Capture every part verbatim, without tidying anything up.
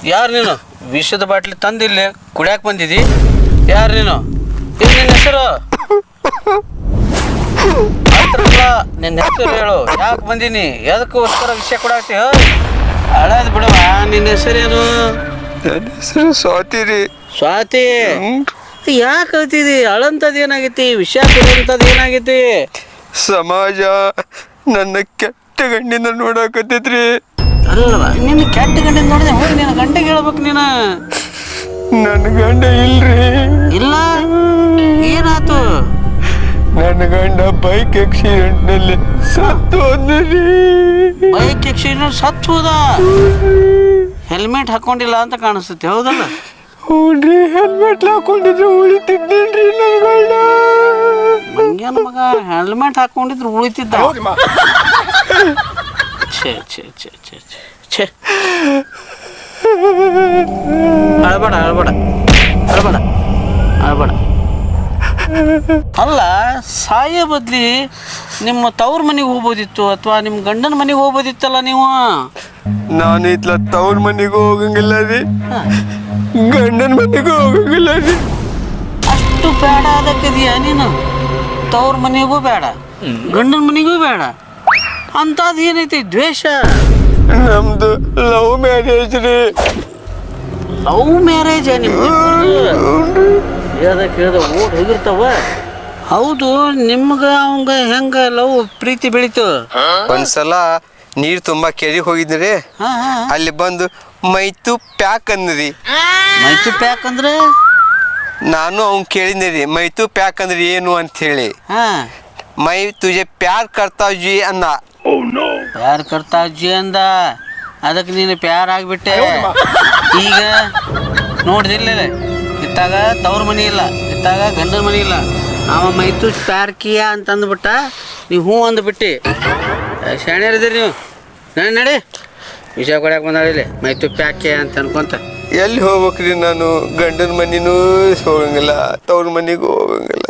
ಯಾರು ನೀನು ವಿಷದ ಬಾಟ್ಲಿ ತಂದಿಲ್ಲ ಕುಡಿಯಾಕೆ ಬಂದಿದ್ದಿ ಯಾರು ನೀನು ಏನು ನಿನ್ನ ಹೆಸರು ಆಯ್ತಲ್ಲ ನಿನ್ನ ಹೆಸರು ಹೇಳು ಯಾಕೆ ಬಂದೀನಿ ಎದಕ್ಕೋಸ್ಕರ ವಿಷಯ ಕೊಡಾಕ್ತಿ ಹಳದ್ ಬಿಡವ ನಿನ್ನ ಹೆಸರೇನು ನನ್ನ ಹೆಸರು ಸ್ವಾತಿ ರೀ ಸ್ವಾತಿ ಯಾಕೆ ಹೇಳ್ತಿದಿ ಅಳಂತದ್ ಏನಾಗೈತಿ ವಿಷಯ ಕೊಡುವಂಥದ್ದು ಏನಾಗೈತಿ ಸಮಾಜ ನನ್ನ ಕೆಟ್ಟ ಗಂಡಿನ ನೋಡಾಕತ್ತೈತ್ರಿ ಅಲ್ಲವ ನಿನ್ನ ಕೆಟ್ಟ ಗಂಡಿನ ನೋಡಿದೆ ಹೋಗಿ ನಿನ್ನ ಗಂಟೆಗೆ ಹೇಳ್ಬೇಕು ನೀನು ನನ್ನ ಗಂಡ ಇಲ್ರಿ ಇಲ್ಲ ಏನಾಯ್ತು ನನ್ನ ಗಂಡ ಬೈಕ್ ಆಕ್ಸಿಡೆಂಟ್ನಲ್ಲಿ ಸತ್ತು ಹೋದ್ರಿ ಬೈಕ್ ಆಕ್ಸಿಡೆಂಟ್ ಸತ್ತು ಹೋದ ಹೆಲ್ಮೆಟ್ ಹಾಕೊಂಡಿಲ್ಲ ಅಂತ ಕಾಣಿಸ್ತೈತಿ ಹೌದಲ್ಲ ಹ್ಞೂನ್ರಿ ಹೆಲ್ಮೆಟ್ ಹಾಕೊಂಡಿದ್ರೆ ಉಳಿತಿದ್ದೇನ್ರಿ ನನ್ನ ಗಂಡ ಮಂಗ್ಯಾನ ಮಗ ಹೆಲ್ಮೆಟ್ ಹಾಕೊಂಡಿದ್ರು ಉಳಿತಿದ್ದ ಛೇ ಛೇ ಛೇ ಛೇ ಛೇ ಅಳ್ಬೇಡ ಅಳ್ಬೇಡ ಅಳ್ಬೇಡ ಅಳ್ಬೇಡ ಅಲ್ಲ ಸಾಯೋ ಬದ್ಲಿ ನಿಮ್ಮ ತವ್ರ ಮನೆಗೆ ಹೋಗ್ಬೋದಿತ್ತು ಅಥವಾ ನಿಮ್ಮ ಗಂಡನ ಮನೆಗೆ ಹೋಗ್ಬೋದಿತ್ತಲ್ಲ ನೀವು ನಾನು ಇತ್ಲ ತವ್ರ ಮನೆಗೂ ಹೋಗಂಗಿಲ್ಲ ರೀ ಗಂಡನ ಮನೆಗೂ ಹೋಗಂಗಿಲ್ಲ ರೀ ಅಷ್ಟು ಬೇಡ ಅದಕ್ಕಿದೆಯಾ ನೀನು ತವ್ರ ಮನೆಗೂ ಬೇಡ ಗಂಡನ ಮನೆಗೂ ಬೇಡ ಅಂಥದ್ದು ಏನೈತಿ ದ್ವೇಷ ನಮ್ದು ಲವ್ ಮ್ಯಾರೇಜ್ ರೀ ಲವ್ ಮ್ಯಾರೇಜ್ ನಿಮ್ದು ಹೇಳ್ದ ಕೇಳ್ದ ಓಡ್ ಹೋಗಿರ್ತಾವ ಹೌದು ನಿಮ್ಗೆ ಅವಂಗ ಹೆಂಗ ಲವ್ ಪ್ರೀತಿ ಬೆಳೀತು ಒಂದ್ಸಲ ನೀರ್ ತುಂಬಾ ಕೆರಿ ಹೋಗಿದ್ರಿ ಅಲ್ಲಿ ಬಂದು ಮೈತು ಪ್ಯಾಕ್ ಅಂದ್ರಿ ಮೈತು ಪ್ಯಾಕ್ ಅಂದ್ರೆ ನಾನು ಅವ್ನ್ ಕೇಳಿದ್ನಿ ರೀ ಮೈತು ಪ್ಯಾಕ್ ಅಂದ್ರೆ ಏನು ಅಂತ ಹೇಳಿ ಹಾ ಮೈ ತುಜೆ ಪ್ಯಾರ್ ಕರ್ತಾವ್ ಜಿ ಅಂದ ಪ್ಯಾರ್ ಕರ್ತಾ ಅಜ್ಜಿ ಅಂದ ಅದಕ್ಕೆ ನೀನು ಪ್ಯಾರ್ ಆಗಿಬಿಟ್ಟೆ ಈಗ ನೋಡ್ದಿಲ್ಲ ಇತ್ತಾಗ ತವ್ರ ಮನೆ ಇಲ್ಲ ಇತ್ತಾಗ ಗಂಡನ ಮನೆ ಇಲ್ಲ ಅವ ಮೈತು ಪ್ಯಾರ್ ಕಿಯಾ ಅಂತ ಅಂದ್ಬಿಟ್ಟ ನೀವು ಹ್ಞೂ ಅಂದ್ಬಿಟ್ಟು ಶಾಣ್ಯರಿದ್ದೀರಿ ನೀವು ನಡಿ ನಡಿ ವಿಷಯ ಕೊಡಕ್ಕೆ ಬಂದಾಳಿಲ್ಲ ಮೈತು ಪ್ಯಾಕೆ ಅಂತ ಅನ್ಕೊಂತ ಎಲ್ಲಿ ಹೋಗ್ಬೇಕ್ರಿ ನಾನು ಗಂಡನ ಮನಿನೂ ಹೋಗಂಗಿಲ್ಲ ತವ್ರ ಮನಿಗೂ ಹೋಗಂಗಿಲ್ಲ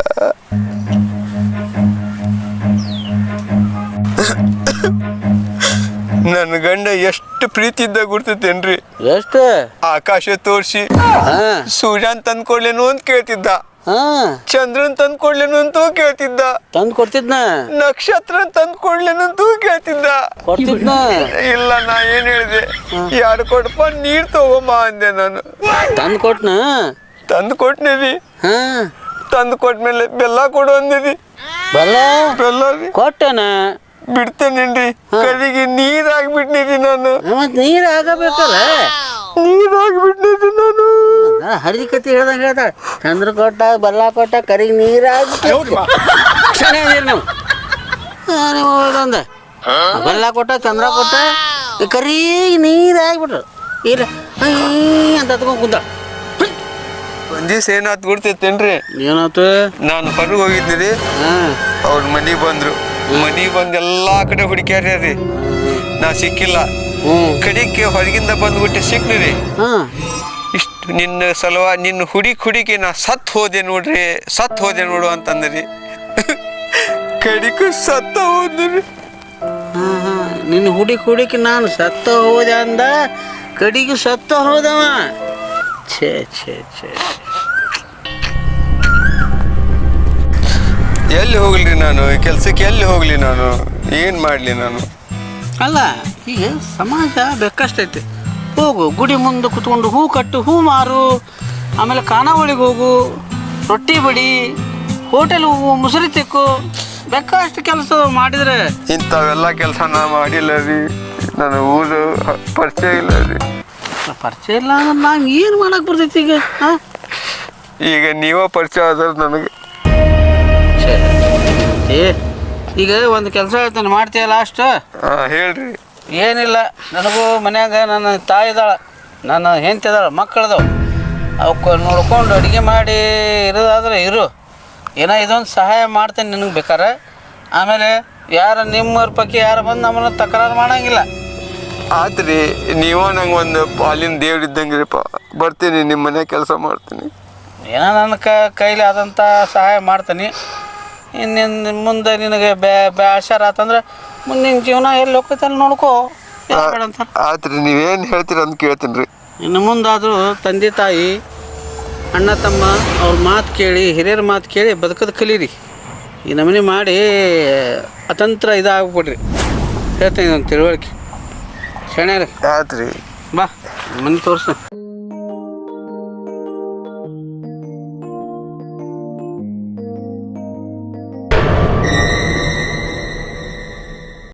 ನನ್ನ ಗಂಡ ಎಷ್ಟು ಪ್ರೀತಿ ಇದ್ದಾಗ ಗುರ್ತೈತೇನ್ರಿ ಎಷ್ಟು ಆಕಾಶ ತೋರ್ಸಿ ಸೂರ್ಯನ್ ತಂದ್ ಕೊಡ್ಲೇನು ಅಂತ ಕೇಳ್ತಿದ್ದ ಹಾ ಚಂದ್ರನ್ ತಂದ್ ಕೊಡ್ಲೇನು ಅಂತೂ ಕೇಳ್ತಿದ್ದ ತಂದು ಕೊಡ್ತಿದ್ನ ನಕ್ಷತ್ರ ತಂದ್ ಕೊಡ್ಲೇನು ಅಂತೂ ಕೇಳ್ತಿದ್ದ ಕೊಡ್ತಿದ್ನ ಇಲ್ಲ ನಾ ಏನ್ ಹೇಳಿದೆ ಎರಡು ಕೊಡಪ್ಪ ನೀರ್ ತಗೊಂಬ ಅಂದೆ ನಾನು ತಂದು ಕೊಟ್ನ ತಂದ್ ಕೊಟ್ನಿ ರೀ ಹಾ ತಂದ್ ಕೊಟ್ಮೇಲೆ ಬೆಲ್ಲ ಕೊಡು ಅಂದಿರಿ ಬಲ್ಲ ಬೆಲ್ಲ ರೀ ಕೊಟ್ಟನ ಬಿಡ್ತೇನೇನ್ರಿ ಕಡೆಗೆ ನೀರ್ ಆಗ್ಬಿಟ್ನಿರಿ ನಾನು ಮತ್ ನೀರು ಆಗಬೇಕಲ್ಲ ನೀರ್ ಆಗ್ಬಿಟ್ನಿರಿ ನಾನು ಹರಿದಿ ಕತಿ ಹೇಳ್ದಂಗೆ ಹೇಳ್ತಾಳೆ ಚಂದ್ರ ಕೊಟ್ಟ ಬಲ್ಲ ಕೊಟ್ಟ ಕರಿಗೆ ನೀರು ಆಗ್ಬಿಟ್ಟು ಚೆನ್ನಾಗಿದ್ದೀರಿ ನೀವು ನೀವು ಒಂದ ಬೆಲ್ಲ ಕೊಟ್ಟ ಚಂದ್ರ ಕೊಟ್ಟ ಕರಿ ನೀರು ಆಗ್ಬಿಟ್ರು ಇಲ್ಲ ಅಂತ ಹತ್ಕೊಂಡ್ ಕುಂತ ಒಂದ್ ದಿವ್ಸ ಏನಾತ್ ಗುರ್ತೈತೇನ್ರಿ ಏನಾಯ್ತು ನಾನು ಹೊರಗೆ ಹೋಗಿದ್ನಿ ಹಾ ಅವ್ರ ಮನಿಗ್ ಬಂದ್ರು ಮನಿಗ್ ಬಂದ್ ಎಲ್ಲಾ ಕಡೆ ಹುಡುಕ್ಯಾರ್ರಿ ನಾ ಸಿಕ್ಕಿಲ್ಲ ಕಡಿಕೆ ಹೊರಗಿಂದ ಬಂದ್ಬಿಟ್ಟು ಸಿಕ್ನಿ ಹಾ ಇಷ್ಟು ನಿನ್ನ ಸಲುವ ನಿನ್ನ ಹುಡುಕಿ ಹುಡುಕಿ ನಾ ಸತ್ ಹೋದೆ ನೋಡ್ರಿ ಸತ್ ಹೋದೆ ನೋಡು ಅಂತಂದ್ರಿ ಕಡಿಕ ಸತ್ತ ಹೋದ್ರಿ ಹಾ ಹಾ ನಿನ್ನ ಹುಡುಕಿ ಹುಡುಕಿ ನಾನು ಸತ್ತ ಹೋದೆ ಅಂದ ಕಡಿಗೆ ಸತ್ತ ಹೋದವ ಛೇ ಛೇ ಛೇ ಎಲ್ಲಿ ಹೋಗ್ಲಿ ನಾನು ಕೆಲ್ಸಕ್ಕೆ ಎಲ್ಲಿ ಹೋಗ್ಲಿ ನಾನು ಏನ್ ಮಾಡ್ಲಿ ನಾನು ಅಲ್ಲ ಈಗ ಸಮಾಜ ಬೇಕಷ್ಟೈತಿ ಹೋಗು ಗುಡಿ ಮುಂದೆ ಕುತ್ಕೊಂಡು ಹೂ ಕಟ್ಟು ಹೂ ಮಾರು ಆಮೇಲೆ ಖಾನಾವಳಿಗೆ ಹೋಗು ರೊಟ್ಟಿ ಬಡಿ ಹೋಟೆಲ್ ಹೋಗು ಮುಸುರಿ ತೆಕ್ಕು ಬೇಕಷ್ಟು ಕೆಲಸ ಮಾಡಿದ್ರೆ ಇಂಥವೆಲ್ಲ ಕೆಲಸ ನಾ ಮಾಡಿಲ್ಲ ರೀ ನನ್ನ ಊರು ಪರಿಚಯ ಇಲ್ಲ ರೀ ಪರಿಚಯ ಇಲ್ಲ ಅಂದ್ರೆ ನಾನು ಏನು ಮಾಡಕ್ಕೆ ಬರ್ತೈತಿ ಈಗ ಹಾಂ ಈಗ ನೀವ ಪರಿಚಯ ಆದ್ರೆ ನನಗೆ ಏ ಈಗ ಒಂದು ಕೆಲಸ ಹೇಳ್ತಾನೆ ಮಾಡ್ತೀಯ ಲಾಸ್ಟ್ ಹಾಂ ಹೇಳ್ರಿ ಏನಿಲ್ಲ ನನಗೂ ಮನ್ಯಾಗ ನನ್ನ ತಾಯಿ ಇದ್ದಾಳೆ ನನ್ನ ಹೆಂಡತಿ ಇದ್ದಾಳೆ ಮಕ್ಕಳದವು ಅವಕ್ಕೆ ನೋಡ್ಕೊಂಡು ಅಡುಗೆ ಮಾಡಿ ಇರೋದಾದ್ರೆ ಇರು ಏನೋ ಇದೊಂದು ಸಹಾಯ ಮಾಡ್ತೇನೆ ನಿನಗೆ ಬೇಕಾರೆ ಆಮೇಲೆ ಯಾರು ನಿಮ್ಮವ್ರ ಪೈಕಿ ಯಾರು ಬಂದು ನಮ್ಮನ್ನು ತಕರಾರು ಮಾಡೋಂಗಿಲ್ಲ ಆತ್ರಿ ನೀವು ನಂಗೆ ಒಂದು ಪಾಲಿನ ದೇವ್ರು ಇದ್ದಂಗೆ ರೀ ಪಾ ಬರ್ತೀನಿ ನಿಮ್ಮ ಮನೆ ಕೆಲಸ ಮಾಡ್ತೀನಿ ಏನೋ ನನ್ನ ಕೈಲಿ ಆದಂಥ ಸಹಾಯ ಮಾಡ್ತೀನಿ ಇನ್ನು ಮುಂದೆ ನಿನಗೆ ಬೇ ಬೇಷಾರ ಆತಂದ್ರೆ ಮುಂದಿನ ಜೀವನ ಎಲ್ಲಿ ಹೋಗ್ತೈತೆ ಅಲ್ಲಿ ನೋಡ್ಕೋ ಆತ್ರಿ ನೀವೇನು ಹೇಳ್ತೀರ ಅಂತ ಕೇಳ್ತೀನಿ ರೀ ಇನ್ನು ಮುಂದಾದರೂ ತಂದೆ ತಾಯಿ ಅಣ್ಣ ತಮ್ಮ ಅವ್ರ ಮಾತು ಕೇಳಿ ಹಿರಿಯರ ಮಾತು ಕೇಳಿ ಬದುಕೋದು ಕಲೀರಿ. ಈ ನಮೂನೆ ಮಾಡಿ ಅತಂತ್ರ ಇದಾಗ್ಬಿಡ್ರಿ. ಹೇಳ್ತೀನಿ ಒಂದು ತಿಳುವಳಿಕೆ ಶಣ್ಯಾರ ಆತ್ರಿ ಬಾ ಮನೆ ತೋರಿಸು.